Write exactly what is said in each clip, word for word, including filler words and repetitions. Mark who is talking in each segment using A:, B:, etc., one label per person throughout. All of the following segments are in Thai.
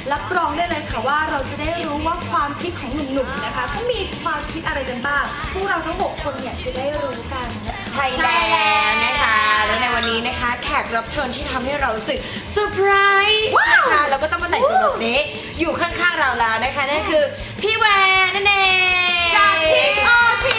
A: รับรองได้เลยค่ะว่าเราจะได้รู้ว่าความคิดของหนุ่มๆนะคะเขามีความคิดอะไรกันบ้างพวกเราทั้งหกคนเนี่ยจะได้รู้กัน
B: ใช่แล้วนะคะแล้วในวันนี้นะคะแขกรับเชิญที่ทำให้เรารู้สึกเซอร์ไพรส์นะคะแล้วก็ต้องมาแต่งตัวแบบนี้อยู่ข้างๆเราแล้วนะคะนั่นคือพี่แวนนั่นเอง
A: จากทีมออที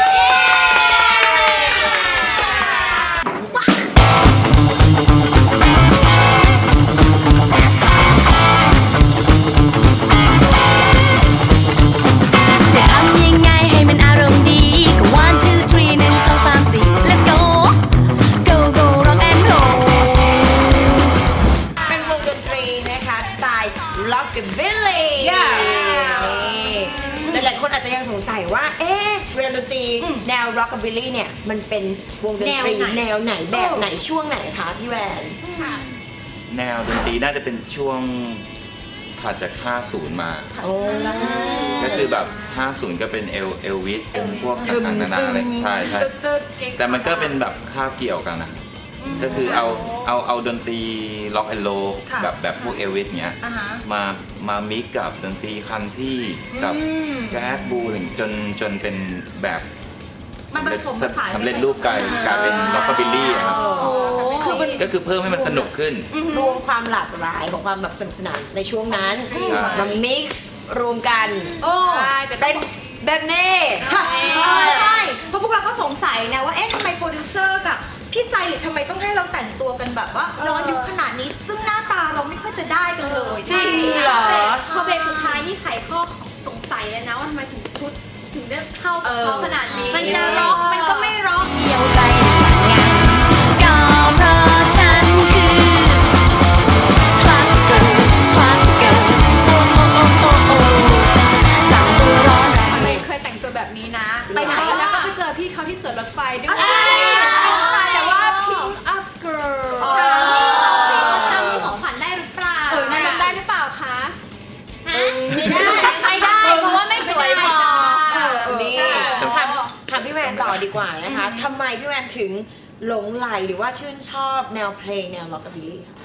B: หลายคนอาจจะยังสงสัยว่าเอ๊ะเวลาดนตรีแนว rockabilly เนี่ยมันเป็นวงดนตรีแนวไหนแบบไหนช่วงไหนคะพี่แวน
C: แนวดนตรีน่าจะเป็นช่วงถัดจากห้าสิบมาก็คือแบบห้าสิบก็เป็นเอลเอลวิสเป็นพวกต่างๆนานาอะไรใช่ใช่แต่มันก็เป็นแบบคาบเกี่ยวกันนะก็คือเอาเอาเอาดนตรีล็อกแอนด์โรแบบแบบพวกเอลวิสเนี้ยมามามิกกับดนตรีคันที่กับแจ๊สบูอะไรจนจนเป็นแบบสำเร็จสำเร็จรูปกลายกลายเป็นล็อกคาบิลลี่ครับก็คือเพิ่มให้มันสนุกขึ้น
B: รวมความหลากหลายของความแบบสนุกสนานในช่วงนั้นมามิกซ์รวมกันเป็นแบบนี้
A: ใช่เพราะพวกเราก็สงสัยนะว่าเอ๊ะทำไมโปรดิวเซอร์กับพี่ไซริทำไมต้องให้เราแต่งตัวกันแบบว่าย้อนยุคขนาดนี้ซึ่งหน้าตาเราไม่ค่อยจะได้กันเลย
B: จริงเหรอ
D: พอเบรกสุดท้ายนี่ไขข้อสงสัยเลยนะว่าทำไมถึงชุดถึงได้เข้ากับเขาขนาดนี้มันจะร็อกมันก็ไม่ร็อกเหี่ยวใจงานก็เพราะฉันคือคลาสสิกคลาสสิกโอ้โอ้โอ้โอ้โอ้จับตัวร้อนเลยเคยแต่งตัวแบบนี้นะไปไหนแล้วก็ไปเจอพี่เขาที่สวนรถไฟด้วยสไตล์แบบว่าพิงอัพเกิร์ลพี่เขาทำของขวัญได้หรือเปล่าเออน่าจะได้หรือเปล่าคะไม่ได้ไม่ได้เพราะว่าไม่สวยพอ
B: นี่ถามถามพี่แวนต่อดีกว่านะคะทำไมพี่แวนถึงหลงใหลหรือว่าชื่นชอบแนวเพลงแนวร็อกกับบิลลี่คะ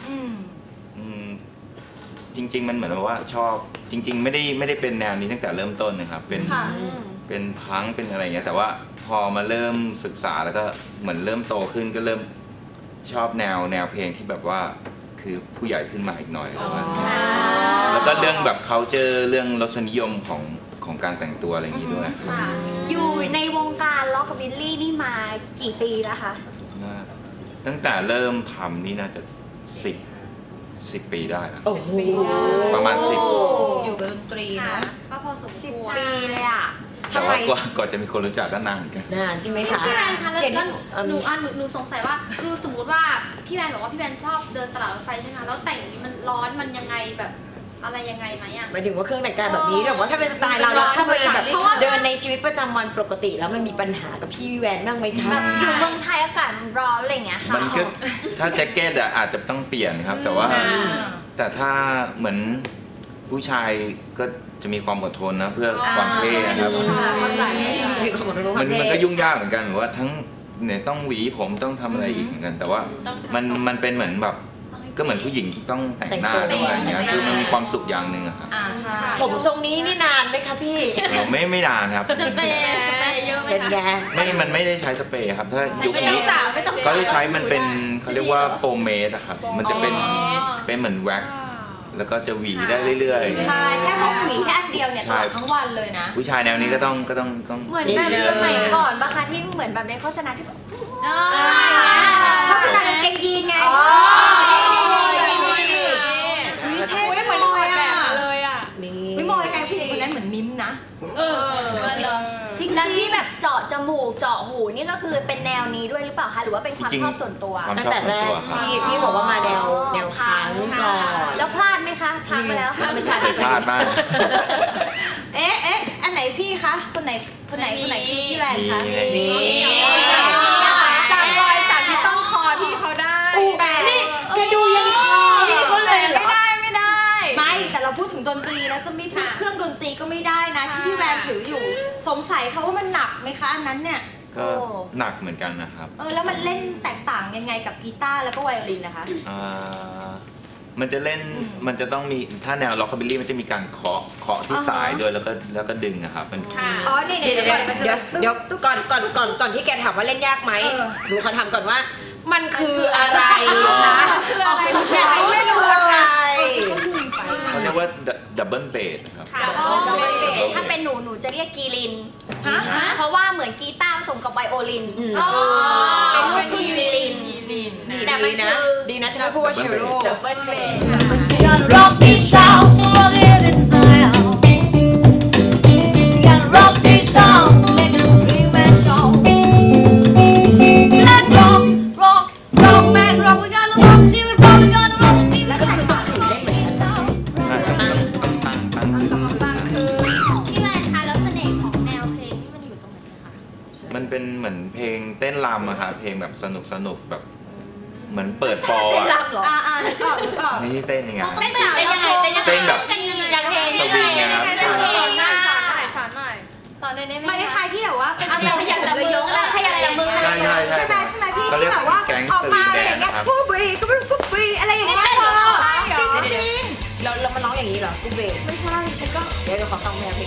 C: จริงๆมันเหมือนว่าชอบจริงๆไม่ได้ไม่ได้เป็นแนวนี้ตั้งแต่เริ่มต้นนะครับเป็นเป็นพังเป็นอะไรเงี้ยแต่ว่าพอมาเริ่มศึกษาแล้วก็เหมือนเริ่มโตขึ้นก็เริ่มชอบแนวแนวเพลงที่แบบว่าคือผู้ใหญ่ขึ้นมาอีกหน่อยแล้วก็แล้วก็เรื่องแบบเขาเจอเรื่องรสนิยมของของการแต่งตัวอะไรอย่างนี้ด้วย
D: อยู่ในวงการล็อกกับบิลลี่นี่มากี่ปีแล้วคะ
C: ตั้งแต่เริ่มทำนี่น่าจะสิบสิบปีได้นะประมาณสิบ
A: อยู่กับดนตรีนะ
D: ก็พอสมควรปีเลยอ่ะ
C: ทำไมก่อนจะมีคนรู้จักก็นานกัน
B: นานใช่ไหมคะ
D: พี่แวนคะแล้วก็หนูอ่ะหนูสงสัยว่าคือสมมติว่าพี่แวนบอกว่าพี่แวนชอบเดินตลาดรถไฟใช่ไหมคะแล้วแต่งนี้มันร้อนมันยังไงแบบอะไรยังไงไหมอ่ะ
B: หมายถึงว่าเครื่องแต่งกายแบบนี้แต่ว่าถ้าเป็นสไตล์เราแล้วถ้าไปแบบเดินในชีวิตประจำวันปกติแล้วมันมีปัญหากับพี่แวนบ้างไหมคะ
D: อยู่เมืองไทยอากาศร้อนอะไรอย่างเงี้ยค่ะ
C: มันก็ถ้าแจ็คเก็ตอ่ะอาจจะต้องเปลี่ยนครับแต่ว่าแต่ถ้าเหมือนผู้ชายก็จะมีความอดทนนะเพื่อความเท่ครับมันมันก็ยุ่งยากเหมือนกันหรือว่าทั้งเนี่ยต้องหวีผมต้องทำอะไรอีกเหมือนกันแต่ว่ามันมันเป็นเหมือนแบบก็เหมือนผู้หญิงต้องแต่งหน้าอะไรอย่างเงี้ยคือมันมีความสุขอย่างหนึ่งอะครับ
B: ผมทรงนี้นี่นานไหมคะพี่
C: ไม่ไม่นานครับ
D: สเปรย์สเปรย์เยอะไหม
C: คะไม่มันไม่ได้ใช้สเปรย์ครับถ้ายุคนี้เขาจะใช้มันเป็นเขาเรียกว่าโปรเมสอะครับมันจะเป็นเป็นเหมือนแว็กแล้วก็จะหวีได้เรื่อย
A: ๆใช่แค่พกหวีแค่อันเดียวเนี่ยตลอดทั้งวันเลยนะ
C: ผู้ชายแนวนี้ก็ต้องก็ต้องต้อง
D: เหมือนแบบสมัยก่อนปะคะที่เหมือนแบบในโฆษณาที่แบบ
A: โฆษณากางเกงยีนไงเท่เหมือนถ่ายแบบเลยอ่ะไม่มองไกลผู้หญิงคนนั้นเหมือนมิมนะ
D: เออจริงแล้วที่แบบเจาะจมูกเจาะหูนี่ก็คือเป็นแนวนี้ด้วยหรือเปล่าคะหรือว่าเป็นความชอบส่วนตัว
B: ตั้งแต่แรกที่ที่บอกว่ามาแนวแนวพังก่อน
D: แล้วพลาดไหมคะพังไปแล้ว
B: ไม่ใช่ไม่
C: ใช่พลาดมาก
A: เอ๊ะเอ๊ะอันไหนพี่คะคนไหนคนไหนคนไหนพี่พี่แวนคะ
B: นี่
A: จำรอยสักที่ต้องคอพี่เขาได้
B: นี่แกดูยังคอพี่เขาเลย
A: ไม่ได้ไม่ได้ไม่แต่เราพูดถึงดนตรีแล้วจะมีเครื่องดนตรีก็ไม่ได้นะที่พี่แวนถืออยู่สงสัยเขาว่ามันหนักไหมคะอันนั้นเนี่ย
C: ก็หนักเหมือนกันนะครับ
A: เออแล้วมันเล่นแตกต่างยังไงกับกีตาร์แล้วก็ไวโอลินนะคะ
C: อ่ามันจะเล่นมันจะต้องมีถ้าแนวล็อกคาบิลลี่มันจะมีการเคาะเคาะที่สายด้วยแล้วก็แล้วก็ดึงอะครับมัน
A: อ๋อนี่
B: เดี๋ยว
A: เดี๋
B: เดี๋
A: ย
B: ยว ว
A: มันจะ
B: เดี๋ยวเดี๋ยวก่อนก่อนก่อนก่อนที่แกถามว่าเล่นยากไหม
A: เออ
B: ดูเขาทำก่อนว่า มันคืออะไรนะ
D: คืออะไร
B: อยากรู้ไม่รู้อะไร
C: เขาเรียกว่าดับเบิลเบสครับ
D: ค่ะจะเป็นเบสถ้าเป็นหนูหนูจะเรียกกีริน
A: ฮะ
D: เพราะว่าเหมือนกีตาร์ผสมกับไวโอลิน
B: อืม
D: เป็นลูกทุ่งกีริน
B: ดี
D: แต่มัน
B: นะ
D: คือ
B: ดีนะฉันไม่พูดว่าเชลโล
D: ดับเบิลเบส We gotta rock this town, rock it in style. We gotta rock this town, make it scream and shout. Let's rock, rock, rock, man, rock. We gotta rock till we pop. We gotta rock till
B: แล้วก็คือต้องถือเล่นเหมือนกัน
C: ใช่ครับต้องต้องตั้งตั้งขึ้น
D: พี่แวนคะแล้วเสน่ห์ของแนวเพลงนี่มันอยู่ตรงไหนคะ
C: มันเป็นเหมือนเพลงเต้นรำอะครับเพลงแบบสนุกสนุกแบบเหมือนเปิดฟอร์
D: เต้น
C: อะ
D: รำเหรอ
A: อ่าอ่านึกออกนึกออก
C: ไม่ใช่เต้นยังไง
D: เต้นสาวยังไงเต้นยังไง
C: เต้นแบบ
D: กันยังไงอย่างเพลง
C: สวิงไงครับ
D: เต้นเพลงอะ
E: สอนหน่อยสอนหน่อย
D: สอนหน่อยได้ไหม
A: มันคล้ายๆที่แบบว่าเป็น
D: เอาแต่ขยันละมือขยันละมือ
C: ใช่ใช่ใช่
A: ใช่ไหมใช่ไหมพี่
C: เขาเรี
A: ที่
C: ยก
A: แบบว่า
C: แก๊ง
A: ออก
C: สวิ
A: มาง อะไร
C: แด
A: อน ย่างเงี้ย
C: นะครับ
A: กูบรีกูบรีกูบรีอะไรอย่างเงี้ยเธอจริงจริง
B: เราเรามาร้องอย่างนี้เหรอกูเบส
A: ไม่ใช่ฉันก็
B: เดี๋ยวเดี๋ยวขอฟังแมวเพลง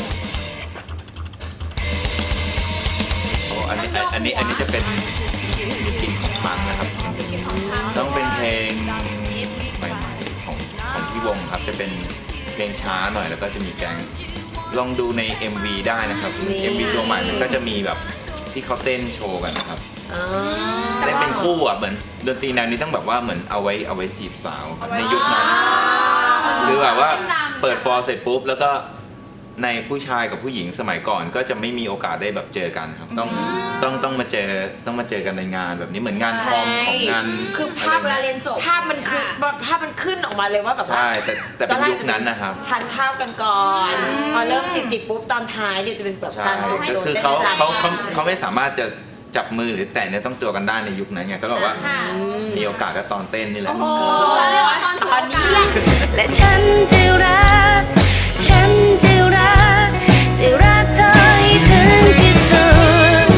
C: โอ้อันนี้อันนี้อันนี้จะเป็นมีกลิ่นของพังนะครับต้องเป็นเพลงใหม่ๆของของพี่วงครับจะเป็นเพลงช้าหน่อยแล้วก็จะมีแก๊งลองดูใน เอ็ม วี ได้นะครับ เอ็ม วี ตัวใหม่มันก็จะมีแบบที่เขาเต้นโชว์กันนะครับ
B: อ๋อ
C: เต้นเป็นคู่อ่ะเหมือนดนตรีแนวนี้ต้องแบบว่าเหมือนเอาไว้เอาไว้จีบสาวครับในยุคนั้นคือแบบว่าเปิดฟอร์เสร็จปุ๊บแล้วก็ในผู้ชายกับผู้หญิงสมัยก่อนก็จะไม่มีโอกาสได้แบบเจอกันครับต้องต้องต้องมาเจอต้องมาเจอกันในงานแบบนี้เหมือนงานคอมของงาน
B: คือภา
A: ภา
B: พ
A: พเวลาเรียนจบ
B: ภาพมันคือภาพมันขึ้นออกมาเลยว่าแบบว่า
C: ใช่แต่แต่เป็นยุคนั้นนะครับ
B: ทานข้าวกันก่อน พอเริ่มจิบจิบปุ๊บตอนท้ายเนี่ยจะเป็นแบบ
C: ใช่
B: การ
C: ก็คือเขาเขาเขาเขาไม่สามารถจะจับมือหรือแตะเนี่ยต้องตัวกันได้ในยุคนั้นไงก็บอกว่ามีโอกาสก็ตอนเต้นนี่แหละ
D: โอ้เรียกว่าตอนตอนนี้แหละ
F: และฉันจะรัก ฉันจะรัก จะรักเธอให้ถึงที่สุด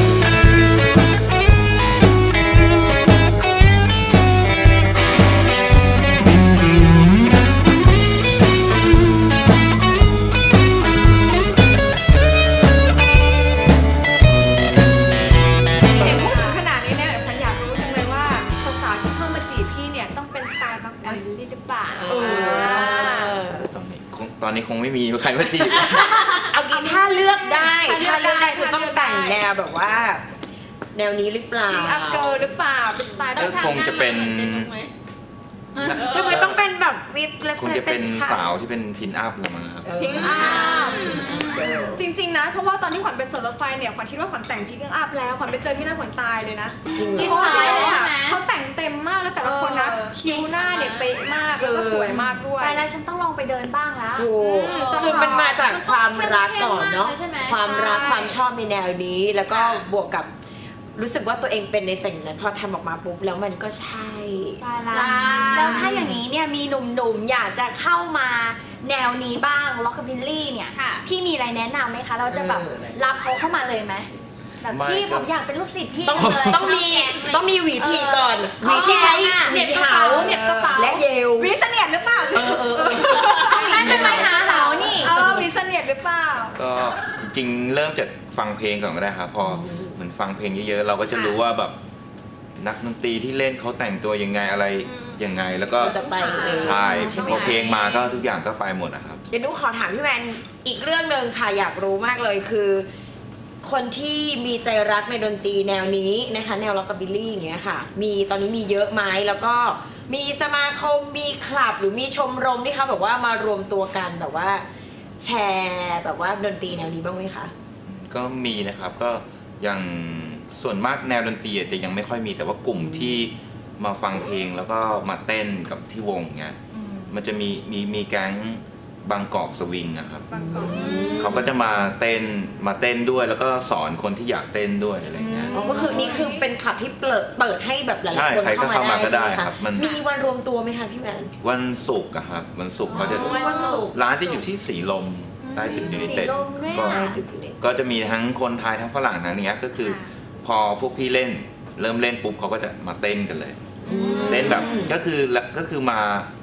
E: เห็นพูดถึงขนาดนี้เนี่ยพันอยากรู้จังเลยว่าสาวๆที่เข้ามาจีบพี่เนี่ยต้องเป็นสไตล์แบบแบบนี้หรือเปล่า
C: ตอนนี้คงตอนนี้คงไม่มีใครมาจีบ
B: เอางี้ถ้าเลือกได้
E: ถ้าเลื
B: ถ้า
E: อก
B: เลือกได้
E: ได้
B: คือต้องแต่งแนวแบบว่า แนวนี้หรือเปล่า
E: พิงอัพเกิร์ลหรือเปล่าเป็นสไตล์แบ
C: ก็
E: บ
C: คงจะเป็น
B: ทำไมต้องเป็นแบบวิดและ
C: คงจะเป็นสาวที่เป็นพินอัพละมั้งครับ
E: พิงอัพจริงๆนะเพราะว่าตอนที่ขวัญไปสวนรถไฟเนี่ยขวัญคิดว่าขวัญแต่งพิงอัพแล้วขวัญไปเจอที่นั่นขวัญตายเลยนะ
D: จิต
E: เพราะว่า
D: สายเลย
E: เขา
D: ใช่ไหม
E: เขาแต่งเต็มมากแล้วแต่ละคนนะคิ้วหน้าเนี่ยเป๊ะมากแล้วก็สวยมากด้วย
D: แต่แล้วฉันต้องลองไปเดินบ้างแล้ว
B: ถูกคือมันมาจากความรักก่อนเนาะ
D: มันต้องเข้มๆมากเลยใช่ไหม
B: ความรัก
E: ใช่
B: ความชอบในแนวนี้ แล้วก็
D: ค่ะ
B: บวกกับรู้สึกว่าตัวเองเป็นในสิ่งนั้นพอทำออกมาปุ๊บแล้วมันก็ใช่
D: ตายละแล้วถ้าอย่างนี้เนี่ยมีหนุ่มๆอยากจะเข้ามาแนวนี้บ้างล็อกคาบิลลี่เนี่ยพี่มีอะไรแนะนำไหมคะ เราจะแบบ
B: เออ
D: รับเขาเข้ามาเลยไหมแบบ
C: ไม่
D: พี่
C: ก็
D: ผมอยากเป็นลูกศิษย์พี่
B: ต้อง
D: เลย
B: ต้องมีต้องมีหวีทีก่อนห
D: เอ
B: วี
D: อ
B: ที่ใช้
D: เห
B: ห
D: น็
B: วี
D: บกระ
B: เหา
D: เป๋าเหน็บกระเป๋า
B: และเยล
E: วิเสนียดหรือเปล่า
B: เออเออเออ
D: นั่นเป็นไม้หาเหานี่
E: เออวิเสนียดหรือเปล่า
C: ก็จริงๆ เริ่มจากฟังเพลงก่อนก็ได้ครับพอเหมือนฟังเพลงเยอะๆ เราก็จะรู้ว่าแบบนักดนตรีที่เล่นเขาแต่งตัวยังไงอะไรยังไงแล้วก็
B: จะไปเอง
C: ใช่
B: ใช่ไหม
C: พอเพลงมาก็ทุกอย่างก็ไปหมดนะครับ
B: เดี๋ยวดูขอถามพี่แวนอีกเรื่องหนึ่งค่ะอยากรู้มากเลยคือ คนที่มีใจรักในดนตรีแนวนี้นะคะแนวล็อกกาบิลลี่อย่างเงี้ยค่ะมีตอนนี้มีเยอะไหมแล้วก็มีสมาคมมีคลับหรือมีชมรมที่เขาแบบว่ามารวมตัวกันแบบว่าแชร์แบบว่าดนตรีแนวนี้บ้างไหมคะ
C: ก็มีนะครับก็อย่างส่วนมากแนวดนตรีจะยังไม่ค่อยมีแต่ว่ากลุ่มที่มาฟังเพลงแล้วก็มาเต้นกับที่วงเงี้ยมันจะมีมีมีแก๊งบางกอกสวิงนะครับเขาก็จะมาเต้นมาเต้นด้วยแล้วก็สอนคนที่อยากเต้นด้วยอะไรเงี้ย
B: อ๋อก็คือนี่คือเป็นคลับที่เปิดเปิดให้แบบหลาย
C: ใช่
B: ๆคน
C: ใครก็
B: เข้ามา
C: เข้ามาก็
B: ได้ใช่ไหม
C: ได้ครั
B: คะ
C: บมัน
B: มีวันรวมตัวไหมคะพี่แวน
C: วันศุกร์อะครับวันศุกร์เขาจะ
A: วันศุกร์
C: ร้านจะอยู่ที่สีลมใต้ตึกยูไนเต็ด
D: สีลมด้วย
C: ก็
D: อะ
C: ก็จะมีทั้งคนไทยทั้งฝรั่งนะเนี้ยก็คือพอพวกพี่เล่นเริ่มเล่นปุ๊บเขาก็จะมาเต้นกันเลยเต้นแบบก็คือก็คือมา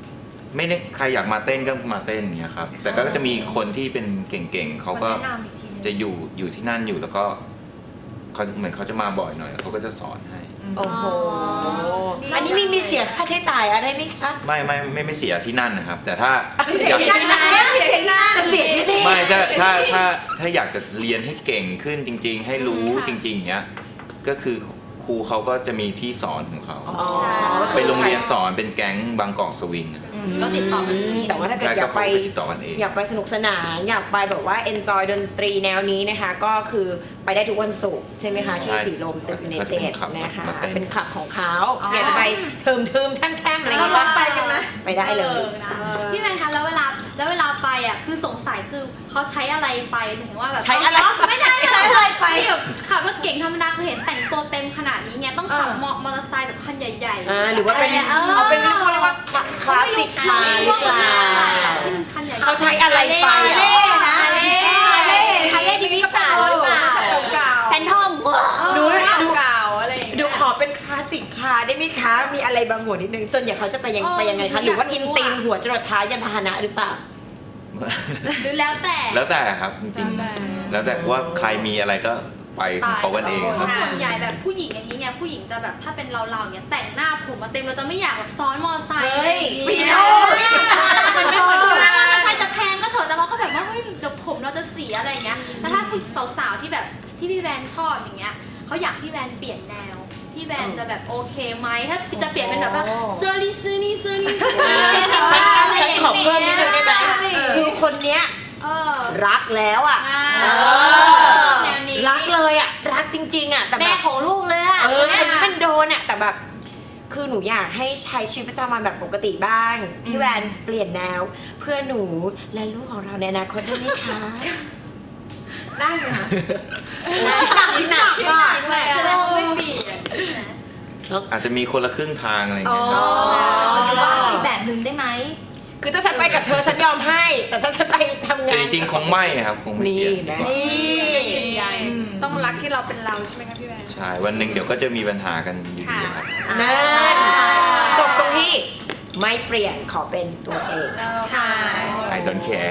C: ไม่ได้ใครอยากมาเต้นก็มาเต้นอย่างเงี้ยครับแต่ก็จะมีคนที่เป็นเก่งๆเขาก็จะอยู่อยู่ที่นั่นอยู่แล้วก็เขาเหมือนเขาจะมาบ่อยหน่อยเขาก็จะสอนให้
B: โอ้โหอันนี้มีมีเสียค่าใช้จ่ายอะไรไหมคะ
C: ไม่ไม่ไม่ไม่เสียที่นั่นนะครับ แต่ถ้าอยาก
A: เสียที่นั่นเสียที่นั่น
B: เสียที่นี่
C: ไม่ถ้าถ้าถ้าถ้าอยากจะเรียนให้เก่งขึ้นจริง ๆ ให้รู้จริงๆอย่างเงี้ยก็คือครูเขาก็จะมีที่สอนของเขาเป็นโรงเรียนสอนเป็นแก๊งบางกอกสวิง
A: ก็ติดต่อกันที่
B: แต่ว่าถ้าเกิดอยากไปอยากไปสนุกสนานอยากไปแบบว่า enjoy ดนตรีแนวนี้นะคะก็คือไปได้ทุกวันศุกร์ใช่ไหมคะที่สีลมตึกยูไนเต็ดนะคะเป็นคลับของเขาอยากจะไปเทิมเทิมแท่มแท่มอะไรอย่างเงี้ย
E: ไปกันไหม
B: ไปได้เลย
D: นะพี่แมนคะแล้วเวลาแล้วเวลาไปอ่ะคือสงสัยคือเขาใช้อะไรไปหมายถึงว่าแบบ
B: ใช้อะไร
D: ไม่ใช่ไม่
A: ใช้
D: ใช่
A: อะไรไป
D: แบบขับรถเก่งธรรมดาเคยเห็นแต่งตัวเต็มขนาดนี้ไงต้องขับมอเตอร์ไซค์แบบคันใหญ่ๆ
B: อ่าหรือว่าเป็น
D: เออ
B: เอาเป็นเรียกว่าคลาสสิกคาร์หรือเปล่า
D: ที่มันคันใหญ่ๆ
B: เขาใช้อะไรไป
A: เล่นะ
D: เล่
A: เล่
D: คาเล่ดิวิสาหรือเปล่า
E: เก่า
D: แฟนทอม
B: ดูดู
E: เก่าอะไรอย่างเงี้ย
B: ดูขอเป็นคลาสสิกคาร์ได้ไหมคะมีอะไรบางหัวนิดนึงส่วนใหญ่เขาจะไปยังไปยังไงคะหรือว่าอินตีนหัวจรดเท้ายันพาหนะหรือเปล่า
D: หรือแล้วแต่
C: แล้วแต่ครับจริงๆแล้วแต่ว่าใครมีอะไรก็ไปของเขากันเอง
D: เพ
C: ครั
D: ราะ
C: บ
D: ส่วนใหญ่แบบผู้หญิงอย่างนี้ไงผู้หญิงจะแบบถ้าเป็นเราเราอย่างเงี้ยแต่งหน้าผมมาเต็มเราจะไม่อยากแบบซ้อนมอเตอร์ไซค์อะไรอย่าง
A: ฟี
D: เงี้ย
A: โน่
D: มันไม่เหมือนกันมอเตอร์ไซค์จะแพงก็เถอะแต่เราก็แบบว่าเฮ้ยเดี๋ยวผมเราจะเสียอะไรอย่างเงี้ยแล้วถ้าผู้สาวๆที่แบบที่พี่แวนชอบอย่างเงี้ยเขาอยากพี่แวนเปลี่ยนแนวพี่แวนจะแบบโอเคไหมถ้าจะเปลี่ยนเป็นแบบว่าเสื้อลิซื้อนี่ซื้อนี่ซื้อนี่
B: ฉันฉันขอเพิ่มนิดนึงได้ไหมคือคนเนี้ย
D: เออ
B: รักแล้วอ่ะ
D: อ่า
B: เออ
D: แนวนี้
B: รักเลยอ่ะรักจริงๆอ่ะแต่แบ
D: แม่
B: บ
D: ของลูกเลยอ่ะ
B: เออคนนี้มันโดนอ่ะแต่แบบคือหนูอยากให้ใช้ชีวิตประจำวันแบบปกติบ้างพี่แวนเปลี่ยนแนวเพื่อหนูและลูกของเราในอนาคตได้ไหมคะ
A: ได้ไหมคะ
B: หนัก
A: หนักหนักอ่ะ
D: แสดงว่าไม่เปลี่ยน
C: อาจจะมีคนละครึ่งทางอะไรอย่าง
A: อ๋อ
C: เงี้ย
A: หรือว่าอีกแบบหนึ่งได้ไหม
B: คือถ้าฉันไปกับเธอฉันยอมให้ แต่ถ้าฉันไปทำงา
C: แต่
B: น
C: จริงๆคงไม่ครับคงไม่เปลี่ยน
B: นี่
C: ดี
B: นะ
C: กว่า
E: ยืนยันต้องรักที่เราเป็นเราใช่ไหมคะพี่แวน
C: ใช่วันหนึ่งเดี๋ยวก็จะมีปัญหากันอยู่ดีครับ
B: นั่น
A: ใช่ใช่ใช่
B: จบตรงที่ไม่เปลี่ยนขอเป็นตัวเอง
A: ใช่
C: I don't care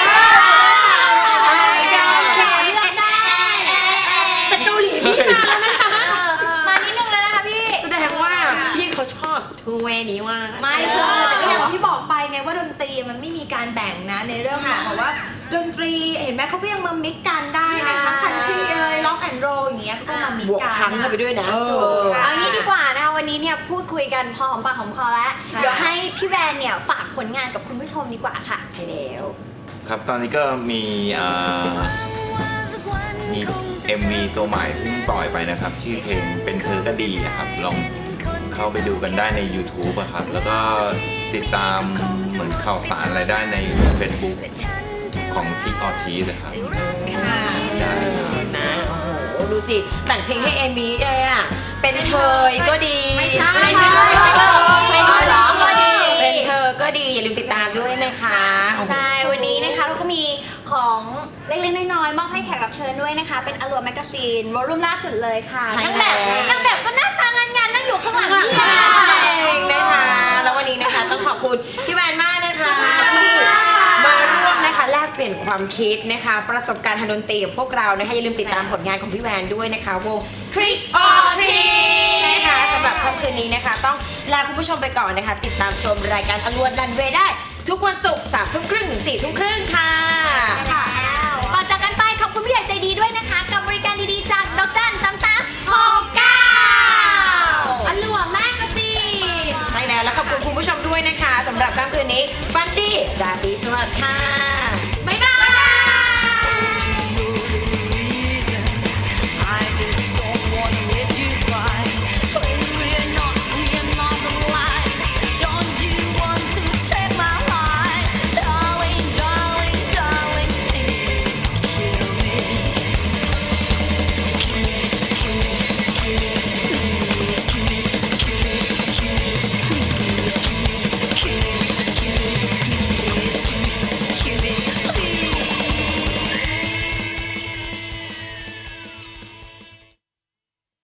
B: แต่เกาหลีพี่มาแล้วนะคะ
D: มานิดนึงแล้วนะคะพี่
B: แสดงว่าพี่เขาชอบทูเวนี้ว่า
A: ไม่เธอแต่ก็อย่างที่บอกไปไงว่าดนตรีมันไม่มีการแบ่งนะในเรื่องของแบบว่าดนตรีเห็นไหมเขาก็ยังมามิกกันได้นะทั้งคันทรีเอ่ยล็อกแอนด์โรอย่างเงี้ยเขาก็มามิก
B: บวก
A: กัน
B: พังเข้าไปด้วยนะ
A: เออ
D: เอางี้ดีกว่านะคะวันนี้เนี่ยพูดคุยกันพอหอมปากหอมคอแล้ว
A: ใช่
D: เดี๋ยวให้พี่แวนเนี่ยฝากผลงานกับคุณผู้ชมดีกว่าค่ะ
B: ใช่แล้ว
C: ครับตอนนี้ก็มีเอ่อมี เอ็ม วี ตัวใหม่เพิ่งปล่อยไปนะครับ ชื่อเพลงเป็นเธอก็ดีนะครับลองเข้าไปดูกันได้ใน YouTube อะครับ แล้วก็ติดตามเหมือนข่าวสารอะไรได้ใน Facebook ของ ทิก ออทีนะครับได้ครับ
B: นะโอ้โหดูสิแต่งเพลงให้เอมี่เลยอ่ะเป็นเธอก็ดี
D: ไม่ใช่
B: เป็นเธอ
D: เป็นเธอก็ดี
B: เป็นเธอก็ดีอย่าลืมติดตามด้วยนะคะ
D: ใช่ วันนี้นะคะเราก็มีของเล็กๆน้อยๆมอบให้แขกรับเชิญด้วยนะคะ เป็นอลัวแมกกาซีนวอลลุ่มล่าสุดเลยค่ะ
B: ใช่
D: นางแบบ
B: แล้ว
D: นางแบบก็หน้าตางานงานๆนั่งอยู่ข้างหลัง
B: ข้างหลัง
D: นี่
B: เองนะคะแล้ววันนี้นะคะต้องขอบคุณพี่แวนมากนะคะที่มาร่วมนะคะแลกเปลี่ยนความคิดนะคะ ประสบการณ์ทางดนตรีกับพวกเรานะคะอย่าลืมติดตามผลงานของพี่แวนด้วยนะคะวง Trick or Treat นะคะสำหรับค่ำคืนนี้นะคะ ต้องลาคุณผู้ชมไปก่อนนะคะ ติดตามชมรายการอลวนรันเวย์ได้ ทุกวันศุกร์สามทุ่มครึ่งถึงสี่ทุ่มครึ่งค่ะ
D: ก่อนจากกันไปขอบคุณผู้ใหญ่ใจดีด้วยนะคะ กับบริการดีๆจากดอกจันสามสามหกเก้าอลัวแมกกาซีน
B: ใช่แล้วแล้วขอบคุณคุณผู้ชมด้วยนะคะสำหรับค่ำคืนนี้ฟันดี้ราตรีสวัสดิ์ค่ะ